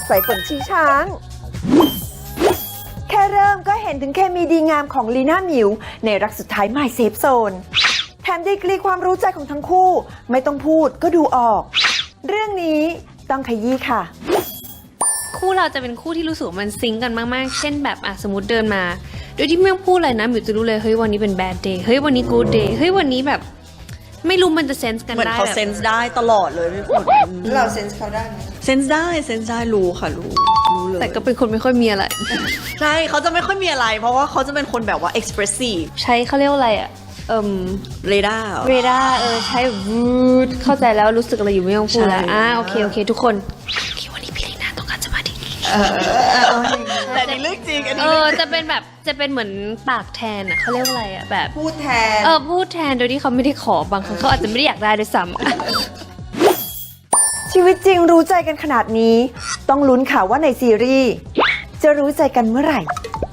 สายฝนชีช้าง แค่เริ่มก็เห็นถึงเคมีดีงามของลีน่าหมิวในรักสุดท้าย My Safe Zone แถมดีกรีความรู้ใจของทั้งคู่ไม่ต้องพูดก็ดูออก เรื่องนี้ต้องขยี้ค่ะคู่เราจะเป็นคู่ที่รู้สึกว่ามันซิงก์กันมากๆ เช่นแบบสมมติเดินมา โดยที่ไม่ต้องพูดอะไรนะหมิวจะรู้เลยเฮ้ยวันนี้เป็น bad day เฮ้ยวันนี้ good day เฮ้ยวันนี้แบบไม่รู้มันจะเซนส์กันเหมือนได้เขาแบบเซนส์ได้ตลอดเลยพี่ฝนเราเซนส์เขาได้ไหมเซนส์ได้รู้ค่ะรู้เลยแต่ก็เป็นคนไม่ค่อยมีอะไรใช่เขาจะไม่ค่อยมีอะไร เพราะว่าเขาจะเป็นคนแบบว่า expressive ใช้เขาเรียกว่าอะไรเรดาร์เรดาร์ใช้วูดเข้าใจแล้วรู้สึกอะไรอยู่ไม่ต้องพูดแล้วใช่โอเคทุกคนคิดว่านี่พี่ลีน่าต้องการสมาธิแต่ในเรื่องจริงอันนี้จะเป็นแบบจะเป็นเหมือนปากแทนเขาเรียกว่าอะไรแบบพูดแทนพูดแทนโดยที่เขาไม่ได้ขอบางครั้งเขาอาจจะไม่ได้อยากได้ด้วยซ้ำชีวิตจริงรู้ใจกันขนาดนี้ ต้องลุ้นข่าวว่าในซีรีส์จะรู้ใจกันเมื่อไหร่